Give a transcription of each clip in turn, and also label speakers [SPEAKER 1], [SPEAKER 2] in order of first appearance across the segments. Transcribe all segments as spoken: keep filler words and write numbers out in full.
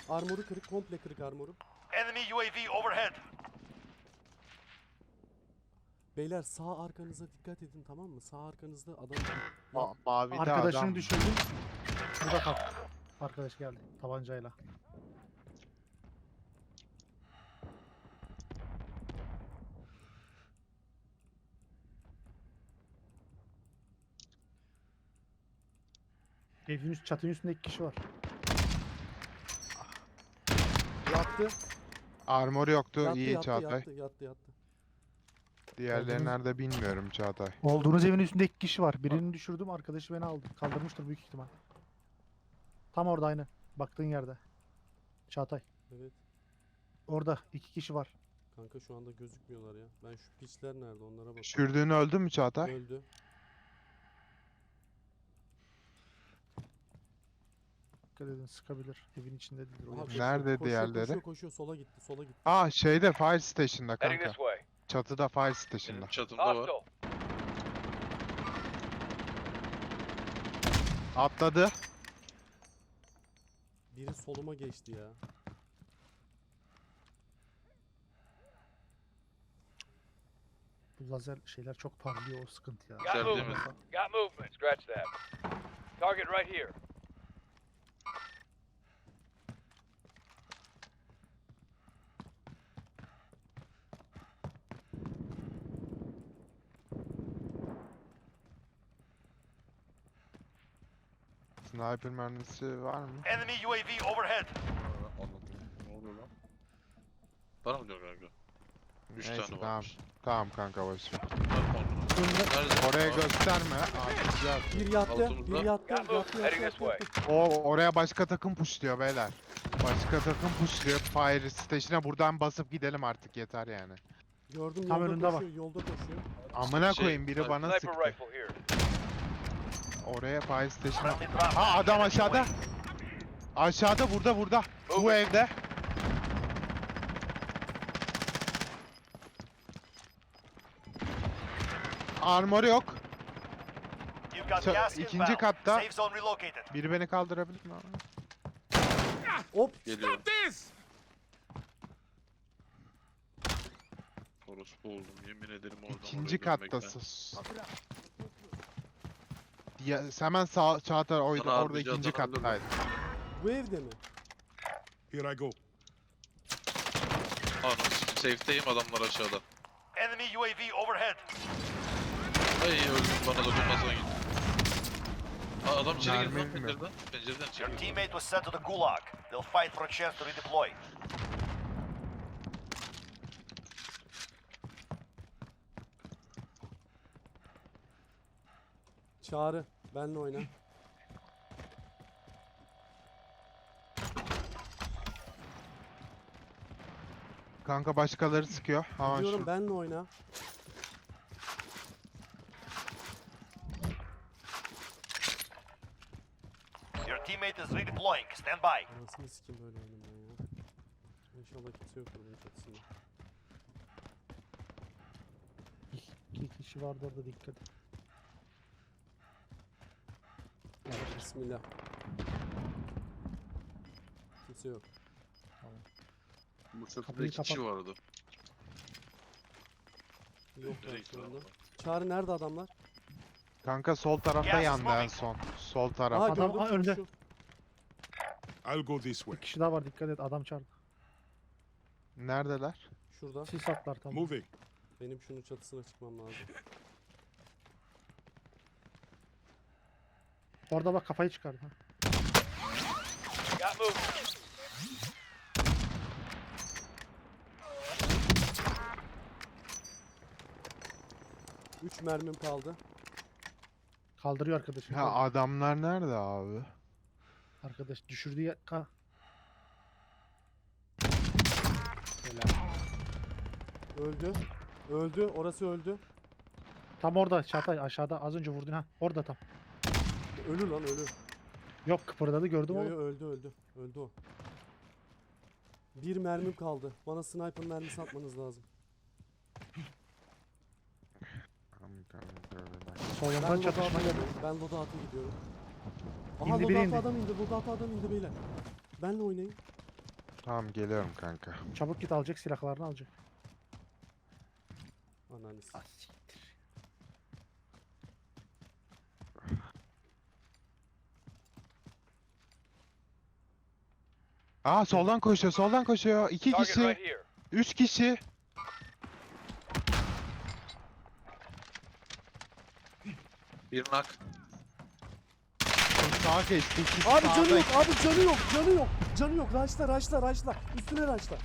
[SPEAKER 1] Armoru kırık, komple kırık armoru.
[SPEAKER 2] Enemy U A V overhead.
[SPEAKER 1] Beyler sağ arkanıza dikkat edin, tamam mı? Sağ arkanızda adam...
[SPEAKER 3] Ma mavide
[SPEAKER 4] Arkadaşını
[SPEAKER 3] adam.
[SPEAKER 4] düşürdüm. Burada kal. Arkadaş geldi tabancayla. Evin üst, çatının üstünde iki kişi var.
[SPEAKER 1] Yattı,
[SPEAKER 3] Armor yoktu.
[SPEAKER 1] yattı,
[SPEAKER 3] İyi
[SPEAKER 1] yattı,
[SPEAKER 3] Çağatay.
[SPEAKER 1] yattı, yattı, yattı.
[SPEAKER 3] Diğerleri
[SPEAKER 4] Gördünüz mü?
[SPEAKER 3] nerede bilmiyorum Çağatay.
[SPEAKER 4] Olduğunuz evin üstünde iki kişi var. Birini düşürdüm, arkadaşı beni aldı. Kaldırmıştır büyük ihtimal. Tam orada aynı. Baktığın yerde. Çağatay.
[SPEAKER 1] Evet.
[SPEAKER 4] Orada iki kişi var.
[SPEAKER 1] Kanka şu anda gözükmüyorlar ya. Ben şu piçler nerede onlara bakıyorum.
[SPEAKER 3] Düşürdüğün öldü mü Çağatay?
[SPEAKER 1] Öldü.
[SPEAKER 4] Dikkat edin, sıkabilir. Evin içinde değildir. O
[SPEAKER 1] Aha,
[SPEAKER 4] yer.
[SPEAKER 1] koşuyor,
[SPEAKER 3] Nerede
[SPEAKER 1] koşuyor,
[SPEAKER 3] diğerleri?
[SPEAKER 1] Koşuyor, koşuyor, sola gitti, sola gitti.
[SPEAKER 3] Aa şeyde Fire Station'da
[SPEAKER 2] Heading
[SPEAKER 3] kanka.
[SPEAKER 2] this way.
[SPEAKER 3] Çatıda Fire Station'da.
[SPEAKER 5] Benim çatımda var.
[SPEAKER 2] Hostile.
[SPEAKER 3] Atladı.
[SPEAKER 1] Biri soluma geçti ya.
[SPEAKER 4] Bu lazer şeyler çok parlıyor, o sıkıntı ya.
[SPEAKER 2] Got
[SPEAKER 5] Güzel değil mi?
[SPEAKER 2] movement. Got movement. Scratch that. Target right here.
[SPEAKER 3] Sniper mermisi var mı?
[SPEAKER 2] Enemy U A V overhead.
[SPEAKER 5] Anladım. Ne oluyor lan? Bana mı diyor kanka? Üç
[SPEAKER 3] Neyse
[SPEAKER 5] tane
[SPEAKER 3] tamam.
[SPEAKER 5] varmış.
[SPEAKER 3] Tamam kanka boş ver.
[SPEAKER 5] Nerede?
[SPEAKER 3] Oraya
[SPEAKER 5] Aa,
[SPEAKER 3] gösterme. Aa, güzel.
[SPEAKER 1] Bir yattı,
[SPEAKER 5] Altımızda.
[SPEAKER 1] bir yattı,
[SPEAKER 2] Got
[SPEAKER 1] yattı,
[SPEAKER 2] movement.
[SPEAKER 1] yattı,
[SPEAKER 2] Heading
[SPEAKER 1] yattı,
[SPEAKER 2] this way.
[SPEAKER 1] yattı.
[SPEAKER 3] O oraya başka takım pushluyor beyler. Başka takım pushluyor. Fire Station'a buradan basıp gidelim artık yeter yani.
[SPEAKER 1] Gördüm,
[SPEAKER 4] Tam
[SPEAKER 1] yolda
[SPEAKER 4] önünde
[SPEAKER 1] koşuyor, yolda koşuyor.
[SPEAKER 3] Amına
[SPEAKER 5] Şey,
[SPEAKER 3] koyayım biri bana
[SPEAKER 2] Sniper
[SPEAKER 3] sıktı.
[SPEAKER 2] rifle here.
[SPEAKER 3] Oraya Fire Station'a.
[SPEAKER 2] Friendly drop.
[SPEAKER 3] Ha adam
[SPEAKER 2] Enemy
[SPEAKER 3] aşağıda.
[SPEAKER 2] U A V.
[SPEAKER 3] Aşağıda burada burada. Bu
[SPEAKER 2] Moving.
[SPEAKER 3] evde. Armor yok.
[SPEAKER 2] You've got
[SPEAKER 3] Sa-
[SPEAKER 2] gas
[SPEAKER 3] ikinci
[SPEAKER 2] inbound.
[SPEAKER 3] katta.
[SPEAKER 2] Safe zone relocated.
[SPEAKER 3] Biri beni kaldırabilir mi?
[SPEAKER 1] Hop!
[SPEAKER 5] Geliyor. Orospu oldum. Yemin ederim oradan
[SPEAKER 3] İkinci
[SPEAKER 5] oraya dönmekten.
[SPEAKER 3] kattasın. Ya, hemen sağ Çağatay oydu.
[SPEAKER 5] Sana
[SPEAKER 3] Orada
[SPEAKER 5] harbici
[SPEAKER 3] ikinci
[SPEAKER 5] adam öldürdü.
[SPEAKER 3] kattaydı.
[SPEAKER 1] Bu evde mi?
[SPEAKER 6] Here I go.
[SPEAKER 5] Anam safe'teyim, adamlar aşağıda.
[SPEAKER 2] Enemy U A V overhead.
[SPEAKER 5] Ay öldüm, bana dokunmasan git. Aa, adam içeri girdi lan
[SPEAKER 3] Mermi mi?
[SPEAKER 5] pencereden. Pencereden içeri
[SPEAKER 2] Your
[SPEAKER 5] girdi.
[SPEAKER 2] teammate was sent to the gulag. They'll fight for a chance to redeploy.
[SPEAKER 1] Çağrı, benle oyna.
[SPEAKER 3] Kanka başkaları sıkıyor. Ama
[SPEAKER 1] Diyorum
[SPEAKER 3] şu
[SPEAKER 1] benle oyna.
[SPEAKER 2] Your teammate is redeploying. Stand by.
[SPEAKER 1] Anasını sikim böyle oynamaya ya. İnşallah kimse yoktur bunun çatısında.
[SPEAKER 4] İki, iki kişi vardı orada, dikkat et.
[SPEAKER 1] Bismillah. Kimse yok.
[SPEAKER 5] Bu çatıda
[SPEAKER 4] Kapıyı
[SPEAKER 5] iki kişi
[SPEAKER 4] kapat.
[SPEAKER 5] vardı.
[SPEAKER 1] Yok
[SPEAKER 5] Nereye
[SPEAKER 1] lan şu anda.
[SPEAKER 5] gidiyorlar?
[SPEAKER 1] Çağrı nerede adamlar?
[SPEAKER 3] kanka sol tarafta
[SPEAKER 2] Gas is
[SPEAKER 3] yandı en
[SPEAKER 2] moving.
[SPEAKER 3] son. Sol taraf.
[SPEAKER 1] Aa
[SPEAKER 4] Adam-
[SPEAKER 1] gördüm.
[SPEAKER 4] aa, önde.
[SPEAKER 1] koşuyor.
[SPEAKER 6] I'll go this way.
[SPEAKER 4] Bir kişi daha var, dikkat et, adam çarptı.
[SPEAKER 3] Neredeler?
[SPEAKER 1] Şurada.
[SPEAKER 4] Sis atlar tamam.
[SPEAKER 6] Moving.
[SPEAKER 1] Benim şunun çatısına çıkmam lazım.
[SPEAKER 4] Orada bak, kafayı çıkardı. Ha.
[SPEAKER 2] Got movement.
[SPEAKER 1] Üç mermim kaldı.
[SPEAKER 4] Kaldırıyor arkadaşı.
[SPEAKER 3] Ha adamlar nerede abi?
[SPEAKER 4] Arkadaş düşürdüğü yer... Ha.
[SPEAKER 1] Öldü. Öldü. Orası öldü.
[SPEAKER 4] Tam orada Çağatay, aşağıda az önce vurdun ha. Orada tam.
[SPEAKER 1] Ölü lan ölü.
[SPEAKER 4] Yok, kıpırdadı, gördüm
[SPEAKER 1] Yo,
[SPEAKER 4] onu.
[SPEAKER 1] yo, öldü öldü. Öldü o. Bir mermim kaldı. Bana sniper mermisi atmanız lazım.
[SPEAKER 4] Solundan
[SPEAKER 1] Ben
[SPEAKER 4] çatışma
[SPEAKER 1] loadout'a
[SPEAKER 4] geldi.
[SPEAKER 1] gidiyorum. Ben loadout'a gidiyorum. Aha
[SPEAKER 4] İndi, biri
[SPEAKER 1] loadout'a
[SPEAKER 4] indi.
[SPEAKER 1] adam indi. Loadout'a adam indi beyler. Benle oynayın.
[SPEAKER 3] Tamam geliyorum kanka.
[SPEAKER 4] Çabuk git alacak silahlarını alacak.
[SPEAKER 1] Ananı s-
[SPEAKER 3] Aa soldan koşuyor, soldan koşuyor. İki
[SPEAKER 2] Target
[SPEAKER 3] kişi,
[SPEAKER 2] right here.
[SPEAKER 3] üç kişi.
[SPEAKER 5] Bir nak.
[SPEAKER 3] Sağa geçti, ikisi
[SPEAKER 1] Abi canı
[SPEAKER 3] sağda.
[SPEAKER 1] yok, abi canı yok, canı yok. Canı yok. Raşla, raşla, raşla. Üstüne raşla.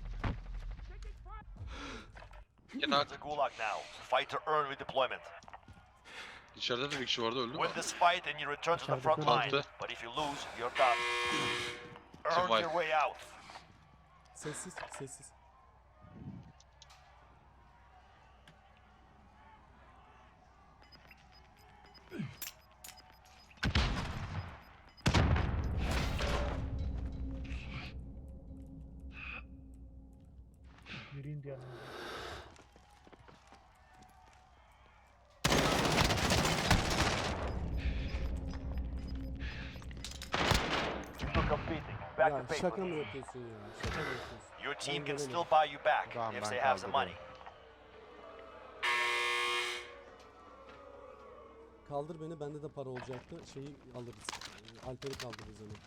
[SPEAKER 5] Bir nak.
[SPEAKER 7] The Gulag now. Fight to earn redeployment.
[SPEAKER 5] İçeride de bir kişi vardı öldü mü?
[SPEAKER 7] Win this fight and you return to the
[SPEAKER 4] İçeride
[SPEAKER 7] front
[SPEAKER 4] kör
[SPEAKER 7] line.
[SPEAKER 5] oldu.
[SPEAKER 7] But if you lose, you're done. Earn
[SPEAKER 5] Survive.
[SPEAKER 7] your way out.
[SPEAKER 1] Sessiz, sessiz.
[SPEAKER 4] Biri indi yanına.
[SPEAKER 7] You're competing. Back
[SPEAKER 1] Ya
[SPEAKER 7] to paper.
[SPEAKER 1] şaka mı yapıyorsun ya? Şaka mı yapıyorsun?
[SPEAKER 7] Your team
[SPEAKER 1] Ben
[SPEAKER 7] can
[SPEAKER 1] gelemedim.
[SPEAKER 7] still buy you back
[SPEAKER 3] Tamam,
[SPEAKER 7] if
[SPEAKER 3] ben
[SPEAKER 7] they have the money.
[SPEAKER 3] kaldırıyorum.
[SPEAKER 1] Kaldır beni, bende de para olacaktı. Şeyi alırız. Ee, Alper'i kaldırırız hemen.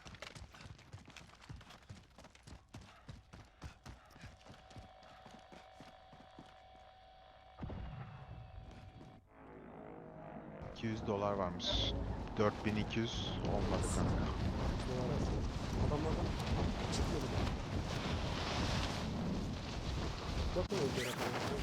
[SPEAKER 3] iki yüz dolar varmış. dört bin iki yüz olmadı kanka.
[SPEAKER 1] Dolar aslında. Adamlardan çıkmadı. Bakın öyle rakamlar.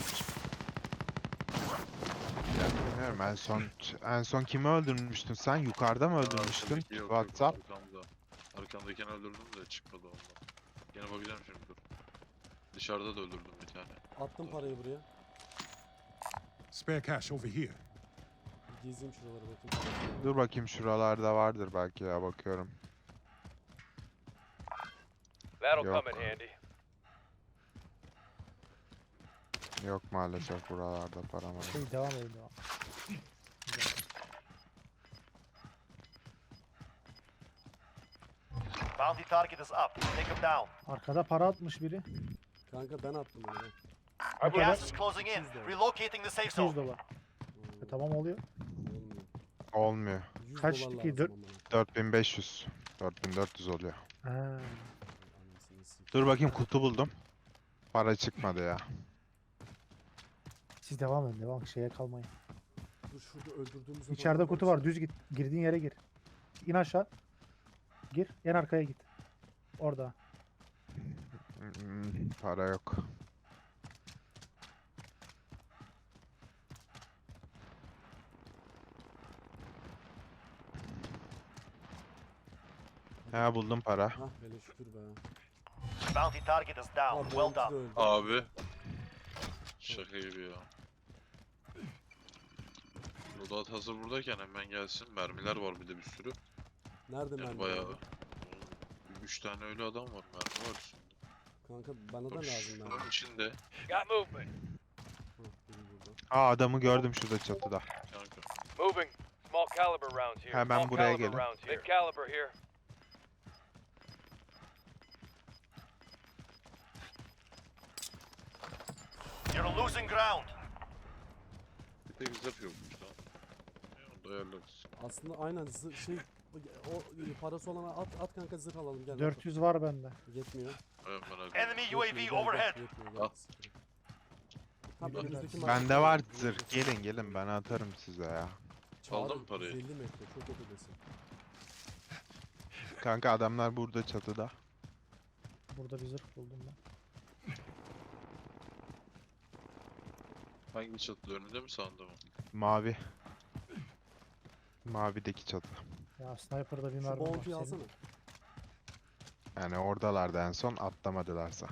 [SPEAKER 3] Ya bilmiyorum, en son en son kimi öldürmüştün sen? Yukarıda mı öldürmüştün?
[SPEAKER 5] Arkadaki yok, yok,
[SPEAKER 3] WhatsApp.
[SPEAKER 5] Arkamda. Arkamdakini öldürdüm de çıkmadı ondan. Yine bakacağım şimdi dur. Dışarıda da öldürdüm bir tane.
[SPEAKER 1] Attım parayı buraya.
[SPEAKER 6] Spare cash over here.
[SPEAKER 1] Bir gezeyim şuralara bakayım.
[SPEAKER 3] Dur bakayım, şuralarda vardır belki ya, bakıyorum.
[SPEAKER 2] That'll
[SPEAKER 3] Yok.
[SPEAKER 2] come in handy.
[SPEAKER 3] Yok maalesef buralarda para var.
[SPEAKER 4] Şey devam edin devam.
[SPEAKER 7] Bounty target is up. Take him down.
[SPEAKER 4] Arkada para atmış biri.
[SPEAKER 1] Kanka ben attım onu ben.
[SPEAKER 4] Ne kadar?
[SPEAKER 7] Gas is closing in. Relocating the safe
[SPEAKER 4] iki yüz
[SPEAKER 7] zone.
[SPEAKER 4] dolar. E, tamam oluyor.
[SPEAKER 1] Olmuyor.
[SPEAKER 3] Olmuyor.
[SPEAKER 1] yüz
[SPEAKER 4] Kaç
[SPEAKER 1] dolar
[SPEAKER 4] ki?
[SPEAKER 1] lazım
[SPEAKER 4] Dört-
[SPEAKER 1] amına.
[SPEAKER 3] dört bin beş yüz. dört bin dört yüz oluyor.
[SPEAKER 4] Ha.
[SPEAKER 1] Anasını sikeyim.
[SPEAKER 3] Dur bakayım, kutu buldum. Para çıkmadı ya.
[SPEAKER 4] Siz devam edin devam. Şeye kalmayın.
[SPEAKER 1] Dur şurada öldürdüğümüz adamlar
[SPEAKER 4] İçeride kutu var.
[SPEAKER 1] işte.
[SPEAKER 4] Düz git. Girdiğin yere gir. İn aşağı. Gir. En arkaya git. Orada.
[SPEAKER 3] Hmm, para yok. Ha buldum para.
[SPEAKER 1] Hah hele şükür be.
[SPEAKER 7] Bounty target is down.
[SPEAKER 1] Abi
[SPEAKER 7] Well
[SPEAKER 1] benimki de
[SPEAKER 7] done.
[SPEAKER 1] öldü.
[SPEAKER 5] Abi. Şaka gibi ya. Loadout hazır buradayken hemen gelsin. Mermiler var bir de bir sürü.
[SPEAKER 1] Nerede
[SPEAKER 5] Yani
[SPEAKER 1] mermi?
[SPEAKER 5] bayağı.
[SPEAKER 1] abi?
[SPEAKER 5] Üç tane ölü adam var. Mermi var üstünde.
[SPEAKER 1] Kanka bana da
[SPEAKER 5] Bak,
[SPEAKER 1] lazım mermi.
[SPEAKER 5] şunun içinde.
[SPEAKER 2] Got movement.
[SPEAKER 1] Hah, biri burada.
[SPEAKER 3] Aa adamı gördüm şurada çatıda.
[SPEAKER 5] Kanka.
[SPEAKER 2] Moving. Small caliber rounds here.
[SPEAKER 3] Hemen
[SPEAKER 2] Small
[SPEAKER 3] buraya
[SPEAKER 2] caliber
[SPEAKER 3] gelin.
[SPEAKER 2] rounds here. Big caliber here.
[SPEAKER 7] You're losing ground.
[SPEAKER 5] Bir tek zırh yokmuş lan. Ya, onu da ayarlarız.
[SPEAKER 1] Aslında aynen zı- şey o parası olana at at kanka zırh alalım gel.
[SPEAKER 4] dört yüz var bende.
[SPEAKER 1] Yetmiyor.
[SPEAKER 5] Ay, merak etme.
[SPEAKER 7] Enemy U A
[SPEAKER 1] Yetmiyor,
[SPEAKER 7] V
[SPEAKER 1] gel, gel,
[SPEAKER 7] overhead.
[SPEAKER 1] yetmiyor, gel.
[SPEAKER 5] Al.
[SPEAKER 1] Tamam, önümüzdeki
[SPEAKER 3] Bende
[SPEAKER 1] markete-
[SPEAKER 3] var zırh. Gelin gelin, ben atarım size ya.
[SPEAKER 1] Çağrı,
[SPEAKER 5] Aldın mı parayı?
[SPEAKER 1] yüz elli metre çok ödesin.
[SPEAKER 3] Kanka adamlar burada çatıda.
[SPEAKER 4] Burada bir zırh buldum ben.
[SPEAKER 5] Hangi çatıda, önünde mi sağında mı?
[SPEAKER 3] Mavi. Mavideki çatı.
[SPEAKER 4] Ya sniper'da bir
[SPEAKER 1] Şu
[SPEAKER 4] mermi var.
[SPEAKER 1] bounty'yi alsana.
[SPEAKER 4] Senin.
[SPEAKER 3] Yani oradalardı en son, atlamadılarsa.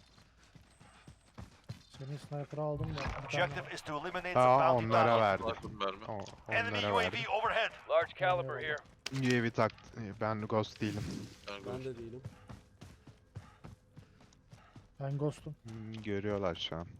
[SPEAKER 4] Senin sniper'ı aldım da. bir tane
[SPEAKER 7] Objective is to eliminate the
[SPEAKER 3] Aa
[SPEAKER 7] bounty
[SPEAKER 3] onlara
[SPEAKER 7] target.
[SPEAKER 3] verdim.
[SPEAKER 5] Bakın mermi.
[SPEAKER 3] O,
[SPEAKER 7] Enemy
[SPEAKER 3] onlara
[SPEAKER 7] U A
[SPEAKER 3] verdim.
[SPEAKER 7] V overhead.
[SPEAKER 2] Large caliber
[SPEAKER 4] Eyvallah.
[SPEAKER 2] here.
[SPEAKER 3] U A V tak. Ben Ghost değilim.
[SPEAKER 5] Ben
[SPEAKER 1] Ben
[SPEAKER 5] gör-
[SPEAKER 1] de değilim.
[SPEAKER 4] Ben ghost'um.
[SPEAKER 3] Hmm, görüyorlar şu an.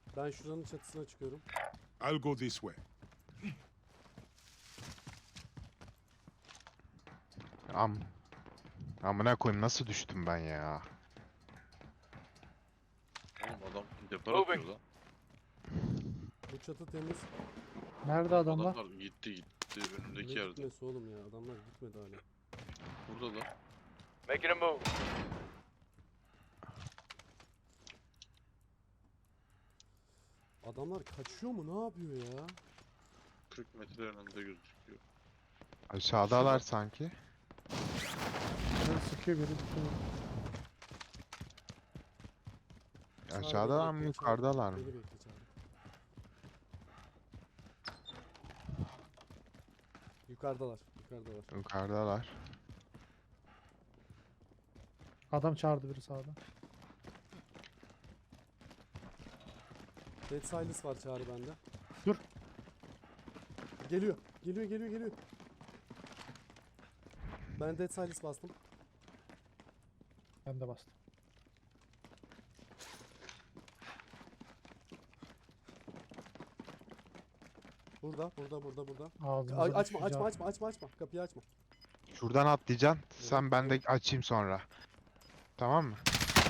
[SPEAKER 1] Ben şuranın çatısına çıkıyorum.
[SPEAKER 6] I'll go this way.
[SPEAKER 3] Am. Amına koyayım nasıl düştüm ben ya?
[SPEAKER 5] Oğlum adam depar
[SPEAKER 2] Moving.
[SPEAKER 5] atıyor lan.
[SPEAKER 1] Bu çatı temiz.
[SPEAKER 4] Nerede adamlar?
[SPEAKER 5] Adamlar gitti gitti
[SPEAKER 1] Ne
[SPEAKER 5] önündeki yerde.
[SPEAKER 1] gitmesi oğlum ya. Adamlar gitmedi hala.
[SPEAKER 5] Burada da.
[SPEAKER 2] Making a move.
[SPEAKER 1] Adamlar kaçıyor mu? Ne yapıyor ya?
[SPEAKER 5] kırk metre önünde gözüküyor.
[SPEAKER 3] Aşağıdalar sanki.
[SPEAKER 4] Biri sıkıyor biri tutuyor.
[SPEAKER 3] Aşağıdalar mı
[SPEAKER 1] bekle,
[SPEAKER 3] yukarıdalar mı?
[SPEAKER 1] Beni bekle çağır. Yukarıdalar. Yukarıdalar.
[SPEAKER 3] Yukarıdalar.
[SPEAKER 4] Adam çağırdı biri sağda.
[SPEAKER 1] Dead Silas var çağrı bende.
[SPEAKER 4] Dur.
[SPEAKER 1] Geliyor. Geliyor geliyor geliyor. Ben Dead Silas bastım.
[SPEAKER 4] Ben de bastım.
[SPEAKER 1] Burada burada burada burada.
[SPEAKER 4] Ağzımıza
[SPEAKER 1] A- açma
[SPEAKER 4] düşeceği
[SPEAKER 1] açma
[SPEAKER 4] at-
[SPEAKER 1] açma açma açma. Kapıyı açma.
[SPEAKER 3] Şuradan atlayacaksın. Sen ben de açayım sonra. Tamam mı?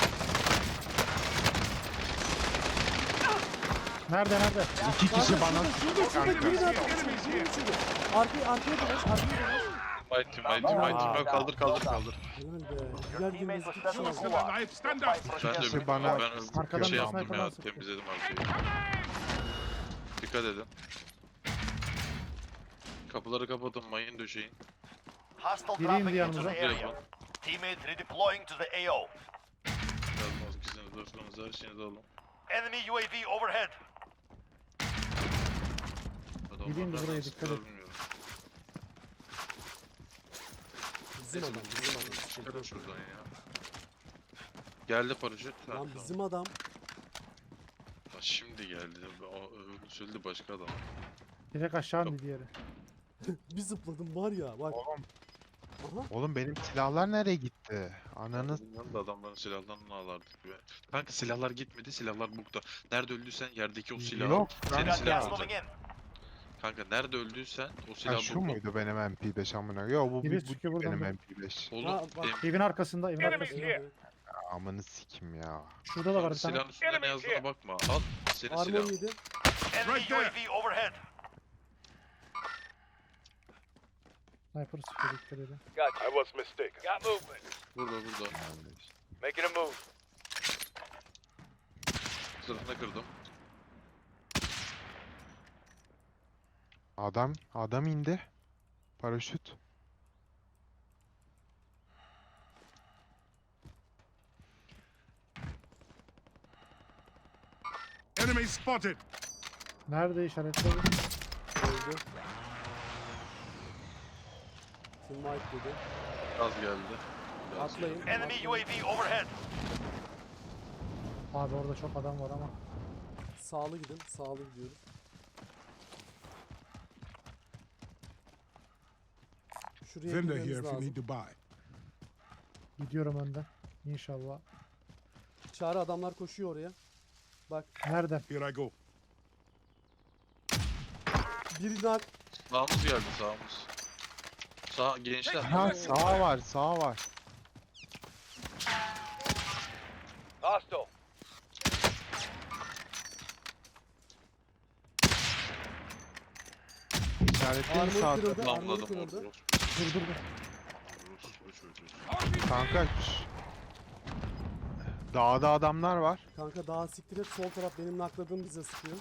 [SPEAKER 4] Nerede nerede?
[SPEAKER 3] İki kişi bana
[SPEAKER 1] Şurada şurada
[SPEAKER 3] kanka.
[SPEAKER 1] biri daha şurada şurada. Arkaya arkaya dolaş arkaya dolaş.
[SPEAKER 5] My team, my team, my team. Ben kaldır kaldır kaldır.
[SPEAKER 1] Helal be. Diğer birimiz iki kişi
[SPEAKER 6] Still
[SPEAKER 1] var.
[SPEAKER 6] alive, stand up!
[SPEAKER 5] Ben de
[SPEAKER 3] Kişi
[SPEAKER 5] bir
[SPEAKER 3] bana-
[SPEAKER 5] ben
[SPEAKER 4] Arkadan
[SPEAKER 5] şey
[SPEAKER 4] bir
[SPEAKER 5] yaptım
[SPEAKER 4] sniper'dan
[SPEAKER 5] ya,
[SPEAKER 4] sıktı.
[SPEAKER 5] temizledim arkayı. Dikkat edin. Kapıları kapatın, mayın döşeyin.
[SPEAKER 7] Hostile
[SPEAKER 4] Biri
[SPEAKER 7] dropping
[SPEAKER 4] indi
[SPEAKER 7] into
[SPEAKER 4] yanımıza.
[SPEAKER 7] the area. Teammate redeploying to the A O.
[SPEAKER 5] Yazmaz ikisini dostlarınızı her şeyinizi alın.
[SPEAKER 7] Enemy U A V overhead.
[SPEAKER 5] Adamlar
[SPEAKER 4] Gideyim de
[SPEAKER 5] nereden
[SPEAKER 4] buraya
[SPEAKER 5] sıktılar
[SPEAKER 4] dikkat et.
[SPEAKER 5] bilmiyorum.
[SPEAKER 1] Bizim adam bizim adam.
[SPEAKER 5] Çıkarın şuradan ya. Geldi paraşüt. Ha,
[SPEAKER 1] Lan
[SPEAKER 5] tamam.
[SPEAKER 1] bizim adam.
[SPEAKER 5] Ha, şimdi geldi. O öbürünü söyledi başka adam.
[SPEAKER 4] Direkt aşağı indi diğeri.
[SPEAKER 1] Bir zıpladım var ya bak.
[SPEAKER 3] Oğlum,
[SPEAKER 1] Aha.
[SPEAKER 3] oğlum benim silahlar nereye gitti? Ananı
[SPEAKER 5] Bundan da adamların silahlarını ağlardık be. Kanka silahlar gitmedi, silahlar bukta. Nerede öldüysen yerdeki o silahı
[SPEAKER 3] yok.
[SPEAKER 5] senin
[SPEAKER 7] Got
[SPEAKER 5] silahın
[SPEAKER 7] gas
[SPEAKER 5] olacak.
[SPEAKER 7] moving in.
[SPEAKER 5] Kanka nerede öldüysen o
[SPEAKER 3] Ha,
[SPEAKER 5] silah
[SPEAKER 3] şu
[SPEAKER 5] bukta.
[SPEAKER 3] muydu benim M P beş amına? Yo bu,
[SPEAKER 4] Biri
[SPEAKER 3] bir, bu
[SPEAKER 4] çıkıyor buradan
[SPEAKER 3] benim
[SPEAKER 4] bak.
[SPEAKER 3] M P beş.
[SPEAKER 5] Oğlum
[SPEAKER 1] Ha, bak.
[SPEAKER 5] em-
[SPEAKER 4] Evin arkasında, evin
[SPEAKER 2] Enemy
[SPEAKER 4] arkasında.
[SPEAKER 2] here.
[SPEAKER 3] Amını sikim ya.
[SPEAKER 4] Şurada da var bir tane.
[SPEAKER 5] silahın üstünde ne
[SPEAKER 2] Enemy
[SPEAKER 5] yazdığına
[SPEAKER 2] here.
[SPEAKER 5] bakma. Al senin
[SPEAKER 1] Armor
[SPEAKER 5] silahın.
[SPEAKER 1] yedi.
[SPEAKER 7] Enemy
[SPEAKER 6] Right
[SPEAKER 7] U A
[SPEAKER 6] there.
[SPEAKER 7] V overhead.
[SPEAKER 4] Sniper sıkıyor dikkat edin.
[SPEAKER 2] Gotcha. I was mistaken. Got movement.
[SPEAKER 5] Burada burada.
[SPEAKER 2] Making a move.
[SPEAKER 5] Sırtına kırdım.
[SPEAKER 3] Adam, adam indi. Paraşüt.
[SPEAKER 6] Enemy spotted!
[SPEAKER 4] Nerede işaretledi?
[SPEAKER 1] Öldü. Team wipe dedi.
[SPEAKER 5] Gaz geldi. Gaz
[SPEAKER 1] Atlayın.
[SPEAKER 5] geldi.
[SPEAKER 7] Enemy U A V overhead.
[SPEAKER 4] Abi orada çok adam var ama.
[SPEAKER 1] Sağlı gidin. Sağlı gidiyoruz. Şuraya
[SPEAKER 6] Vendor here
[SPEAKER 1] girmemiz
[SPEAKER 6] if you
[SPEAKER 1] lazım.
[SPEAKER 6] need to buy.
[SPEAKER 4] Gidiyorum önden. İnşallah.
[SPEAKER 1] Çağrı adamlar koşuyor oraya. Bak
[SPEAKER 4] Nereden?
[SPEAKER 6] Here I go.
[SPEAKER 1] biri nak.
[SPEAKER 5] Sağımız geldi sağımız. Sağ gençler.
[SPEAKER 3] Ha sağ var, sağ var.
[SPEAKER 2] Hostile.
[SPEAKER 3] İşaretleyin
[SPEAKER 1] Armor
[SPEAKER 3] sağ.
[SPEAKER 1] kırıldı. Armor
[SPEAKER 5] Tamamladım
[SPEAKER 1] kırıldı.
[SPEAKER 5] onu.
[SPEAKER 4] Dur dur dur.
[SPEAKER 3] Kanka. şş. Dağda adamlar var.
[SPEAKER 1] Kanka daha siktir et. Sol taraf benim nakladığım bize sıkıyor.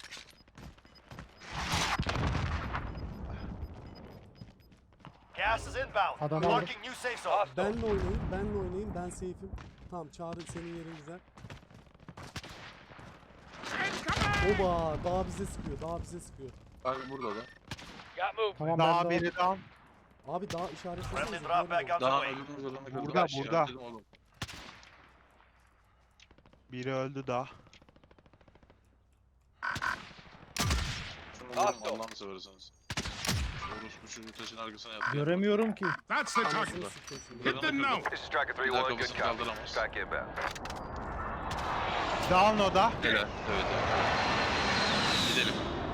[SPEAKER 7] Gas is inbound.
[SPEAKER 4] Adam aldım.
[SPEAKER 7] Marking new safe zone.
[SPEAKER 1] Benle oynayın. Benle oynayın. Ben safe'im. Tamam Çağrı senin yerin güzel. Oba daha bize sıkıyor. Daha bize sıkıyor.
[SPEAKER 5] Kanka burada da.
[SPEAKER 2] Got movement.
[SPEAKER 4] Tamam ben
[SPEAKER 3] Dağ
[SPEAKER 4] de
[SPEAKER 3] biri down.
[SPEAKER 1] Abi daha işaretlesenize.
[SPEAKER 7] Friendly drop back on the
[SPEAKER 5] Daha
[SPEAKER 7] way.
[SPEAKER 5] öbürümüz adamı kırdı.
[SPEAKER 3] Burada,
[SPEAKER 5] Ben şey
[SPEAKER 3] burada.
[SPEAKER 5] yaptım oğlum.
[SPEAKER 3] Biri öldü daha.
[SPEAKER 5] Şunu vurun
[SPEAKER 2] Hostile.
[SPEAKER 5] Allah'ını seversiniz. Orospu şu taşın arkasına yattı.
[SPEAKER 4] göremiyorum ki.
[SPEAKER 6] That's the target.
[SPEAKER 1] Anasını sikeyim şimdi.
[SPEAKER 6] Hit them now!
[SPEAKER 2] This is Striker
[SPEAKER 5] Bir daha kafasını kaldıramaz.
[SPEAKER 2] Back inbound.
[SPEAKER 3] Down o da.
[SPEAKER 5] Helal. Evet evet. Gidelim.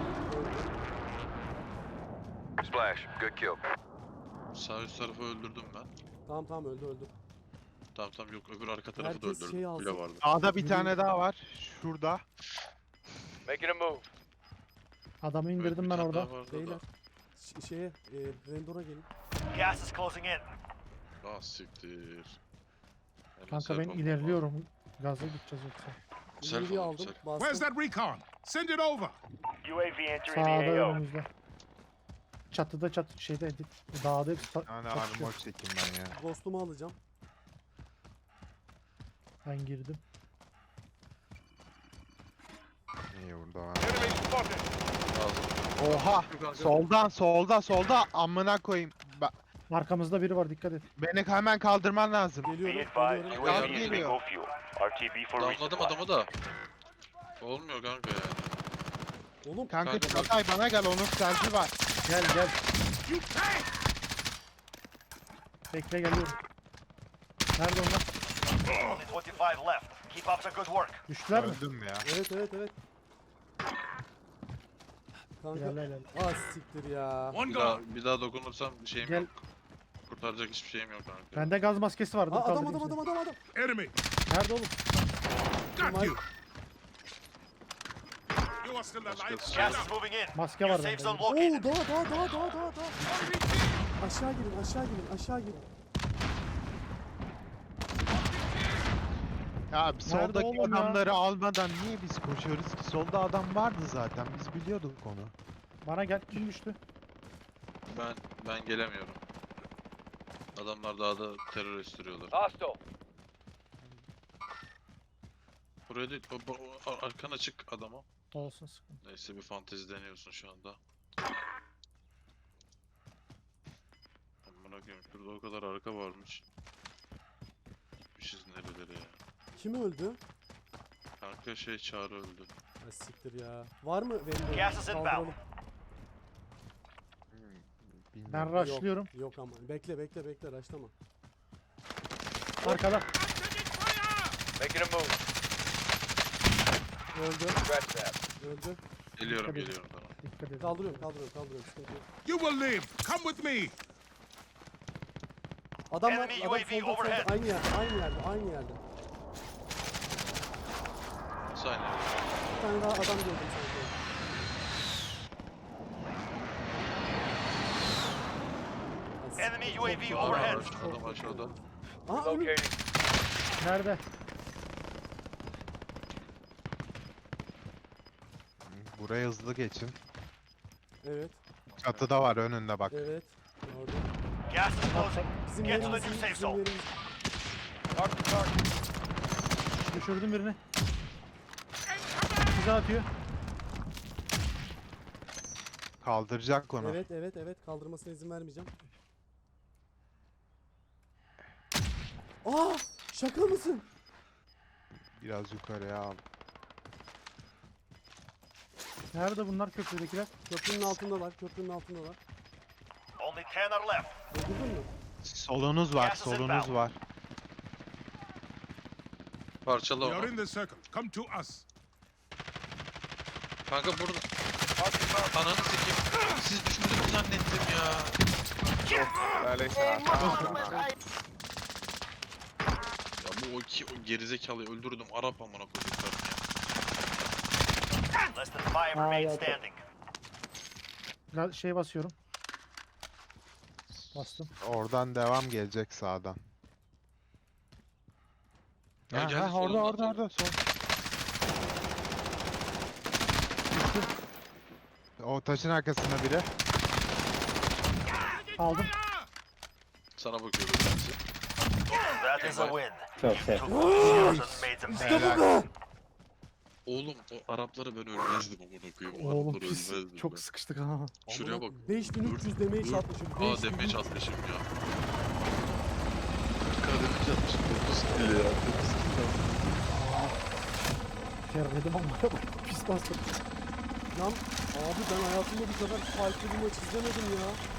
[SPEAKER 2] Splash. Good kill.
[SPEAKER 5] Sağ üst tarafı öldürdüm ben.
[SPEAKER 1] Tamam tamam öldü öldü.
[SPEAKER 5] Tamam tamam yok öbür arka tarafı da
[SPEAKER 1] Herkes
[SPEAKER 5] öldürdüm.
[SPEAKER 1] şey alsın.
[SPEAKER 5] Bile vardı.
[SPEAKER 3] Sağda bir tane daha var. Şurada.
[SPEAKER 2] Making a move.
[SPEAKER 4] Adamı
[SPEAKER 5] Evet,
[SPEAKER 4] indirdim
[SPEAKER 5] bir
[SPEAKER 4] ben
[SPEAKER 5] tane
[SPEAKER 4] orada.
[SPEAKER 5] daha vardı
[SPEAKER 1] Beyler.
[SPEAKER 5] da.
[SPEAKER 1] ş- şeye e, Rendor'a gelin.
[SPEAKER 7] Gas is closing in.
[SPEAKER 5] Ah siktir. Hemen
[SPEAKER 4] Kanka
[SPEAKER 5] self
[SPEAKER 4] ben
[SPEAKER 5] almam
[SPEAKER 4] ilerliyorum. Gaza gideceğiz yoksa.
[SPEAKER 5] Self
[SPEAKER 1] İleriyi
[SPEAKER 5] alalım,
[SPEAKER 1] aldım.
[SPEAKER 5] self.
[SPEAKER 6] Where's
[SPEAKER 1] Bastım.
[SPEAKER 6] that recon? Send it over.
[SPEAKER 7] U A V entering
[SPEAKER 4] Sağda
[SPEAKER 7] the A O.
[SPEAKER 4] önümüzde. Çatıda çatı şeyde dağda hepsi ta-
[SPEAKER 3] Yani
[SPEAKER 4] çatışıyor.
[SPEAKER 3] armor çekeyim ben ya.
[SPEAKER 1] Ghost'umu alacağım.
[SPEAKER 4] Ben girdim.
[SPEAKER 3] İyi burada var.
[SPEAKER 2] Enemy spotted.
[SPEAKER 5] Lazım.
[SPEAKER 3] Oha! Soldan solda solda amına koyayım. Ba-
[SPEAKER 4] Arkamızda biri var, dikkat et.
[SPEAKER 3] Beni hemen kaldırman lazım.
[SPEAKER 7] Be
[SPEAKER 1] Geliyorum.
[SPEAKER 7] advised,
[SPEAKER 1] Geliyorum.
[SPEAKER 7] U A V
[SPEAKER 3] Gaz
[SPEAKER 7] is
[SPEAKER 3] geliyor.
[SPEAKER 7] bingo fuel. R T B for
[SPEAKER 5] Damladım
[SPEAKER 7] resupply.
[SPEAKER 5] adamı da. Olmuyor kanka ya.
[SPEAKER 1] Oğlum
[SPEAKER 3] Kanka
[SPEAKER 5] Kanka,
[SPEAKER 3] Çağatay bana gel onun selfie var.
[SPEAKER 4] Gel gel.
[SPEAKER 6] You tank!
[SPEAKER 4] Bekle, geliyorum. Nerede onlar?
[SPEAKER 7] Only twenty-five left. Keep up the good work.
[SPEAKER 4] Düştüler mi?
[SPEAKER 3] Öldüm ya.
[SPEAKER 1] evet evet evet. Kanka.
[SPEAKER 4] İlerle ilerle.
[SPEAKER 1] Ah siktir ya.
[SPEAKER 6] One
[SPEAKER 5] Bir daha,
[SPEAKER 6] gone.
[SPEAKER 5] bir daha dokunursam bir şeyim
[SPEAKER 4] Gel.
[SPEAKER 5] yok. Kurtaracak hiçbir şeyim yok kanka.
[SPEAKER 4] Bende gaz maskesi var. Dur,
[SPEAKER 1] Aa, adam
[SPEAKER 4] kaldırayım
[SPEAKER 1] adam
[SPEAKER 4] seni.
[SPEAKER 1] adam adam adam.
[SPEAKER 6] Enemy.
[SPEAKER 4] Nerede oğlum?
[SPEAKER 6] Got you. You are still alive.
[SPEAKER 5] Let's
[SPEAKER 7] Gas is moving in.
[SPEAKER 4] Maske
[SPEAKER 7] Your
[SPEAKER 4] var
[SPEAKER 7] safe
[SPEAKER 4] bende.
[SPEAKER 7] zone
[SPEAKER 1] Oo
[SPEAKER 7] located.
[SPEAKER 1] dağa dağa dağa dağa dağa dağa. Aşağı girin aşağı girin aşağı girin.
[SPEAKER 3] Ya bir soldaki
[SPEAKER 4] oğlum ya?
[SPEAKER 3] adamları almadan niye biz koşuyoruz ki? Solda adam vardı zaten. Biz biliyorduk onu.
[SPEAKER 4] Bana gel. Kim düştü?
[SPEAKER 5] Ben ben gelemiyorum. Adamlar dağda terör estiriyorlar.
[SPEAKER 2] Hostile.
[SPEAKER 5] Buraya değil, o, o- o- arkan açık adama.
[SPEAKER 4] Olsun, sıkıntı.
[SPEAKER 5] Neyse bir fantezi deniyorsun şu anda. Amına koyayım şurada o kadar arka varmış. Gitmişiz nerelere ya.
[SPEAKER 1] Kim öldü?
[SPEAKER 5] Kanka şey Çağrı öldü.
[SPEAKER 1] Ha, siktir ya. Var mı Rendor?
[SPEAKER 7] Gas is inbound.
[SPEAKER 1] Kaldıralım.
[SPEAKER 4] Ben
[SPEAKER 3] Bilmiyorum.
[SPEAKER 4] rushlıyorum.
[SPEAKER 1] Yok ama. Bekle bekle bekle raşlama.
[SPEAKER 4] Arkada.
[SPEAKER 2] Making a move.
[SPEAKER 1] Öldü.
[SPEAKER 2] Scratch that.
[SPEAKER 1] Öldü.
[SPEAKER 5] Geliyorum
[SPEAKER 4] Dikkat edin.
[SPEAKER 5] geliyorum tamam.
[SPEAKER 4] Dikkat edin.
[SPEAKER 1] Kaldırıyorum kaldırıyorum kaldırıyorum. Sıkıntı yok.
[SPEAKER 6] You will live. Come with me.
[SPEAKER 1] Adam var.
[SPEAKER 7] Enemy
[SPEAKER 1] Adam
[SPEAKER 7] U A V
[SPEAKER 1] solda solda.
[SPEAKER 7] overhead.
[SPEAKER 1] Aynı yerde aynı yerde aynı yerde.
[SPEAKER 5] Saniye.
[SPEAKER 1] Bir tane daha adam gördüm sanki. Ya,
[SPEAKER 7] Enemy
[SPEAKER 1] siktir,
[SPEAKER 7] U A
[SPEAKER 1] çok
[SPEAKER 7] V
[SPEAKER 1] zor.
[SPEAKER 7] overhead.
[SPEAKER 1] Çok
[SPEAKER 5] Adam
[SPEAKER 1] zor.
[SPEAKER 5] aşağıda.
[SPEAKER 1] Aa ölüm.
[SPEAKER 2] Locating.
[SPEAKER 4] Nerede?
[SPEAKER 3] Buraya hızlı geçin.
[SPEAKER 1] Evet.
[SPEAKER 3] Çatıda var önünde bak.
[SPEAKER 1] Evet. Gördüm.
[SPEAKER 7] Gas is closing.
[SPEAKER 1] Bizim
[SPEAKER 7] Get to the
[SPEAKER 1] yerimiz
[SPEAKER 7] new
[SPEAKER 1] iyi,
[SPEAKER 7] safe
[SPEAKER 1] bizim
[SPEAKER 7] zone.
[SPEAKER 1] yerimiz.
[SPEAKER 2] Mark the target.
[SPEAKER 4] Düşürdüm birini. Bize atıyor.
[SPEAKER 3] Kaldıracak onu.
[SPEAKER 1] Evet evet evet kaldırmasına izin vermeyeceğim. Aa şaka mısın?
[SPEAKER 3] Biraz yukarıya al.
[SPEAKER 4] Nerede bunlar, köprüdekiler?
[SPEAKER 1] Köprünün altındalar köprünün altındalar.
[SPEAKER 7] Only ten are left.
[SPEAKER 1] Öldürdün mü?
[SPEAKER 3] Solunuz var,
[SPEAKER 7] Gas is
[SPEAKER 3] solunuz
[SPEAKER 7] inbound.
[SPEAKER 3] var.
[SPEAKER 5] Parçala
[SPEAKER 6] We are
[SPEAKER 5] onu.
[SPEAKER 6] in the circle. Come to us.
[SPEAKER 5] Kanka burada.
[SPEAKER 2] Mark the target.
[SPEAKER 5] Ananı sikeyim. Siz düşmediniz zannettim ya. Ya bu o iki o gerizekalıyı öldürdüm. Arap amına koyduklarım ya.
[SPEAKER 7] Less than five
[SPEAKER 4] Aa,
[SPEAKER 7] remain
[SPEAKER 4] yok.
[SPEAKER 7] standing.
[SPEAKER 4] Ga- Şey basıyorum. Bastım.
[SPEAKER 3] Oradan devam gelecek sağdan.
[SPEAKER 5] Ya
[SPEAKER 3] Ha,
[SPEAKER 5] geldi
[SPEAKER 3] ha, orada
[SPEAKER 5] solundan,
[SPEAKER 3] orada
[SPEAKER 5] solundan.
[SPEAKER 3] orada sol. O taşın arkasında biri.
[SPEAKER 4] Aldım.
[SPEAKER 5] Sana bakıyorum ben size.
[SPEAKER 7] That is a win. You
[SPEAKER 8] Okay.
[SPEAKER 7] took those and made them pay.
[SPEAKER 3] Helal.
[SPEAKER 5] Oğlum o Arapları ben ölmezdim amına koyayım. O
[SPEAKER 4] Oğlum
[SPEAKER 5] Arapları
[SPEAKER 4] pis.
[SPEAKER 5] ölmezdim
[SPEAKER 4] Çok
[SPEAKER 5] ben.
[SPEAKER 4] sıkıştık ha.
[SPEAKER 5] Şuraya bak.
[SPEAKER 1] beş bin üç yüz damage
[SPEAKER 5] Dur.
[SPEAKER 1] atmışım.
[SPEAKER 5] Aa
[SPEAKER 1] beş bin üç
[SPEAKER 5] damage
[SPEAKER 1] yüz.
[SPEAKER 5] atmışım ya. K damage atmışım. dokuz kill ya. dokuz kill.
[SPEAKER 4] Terledim ama pis bastım.
[SPEAKER 1] Lan abi ben hayatımda bu kadar fight'lı bir maç izlemedim ya.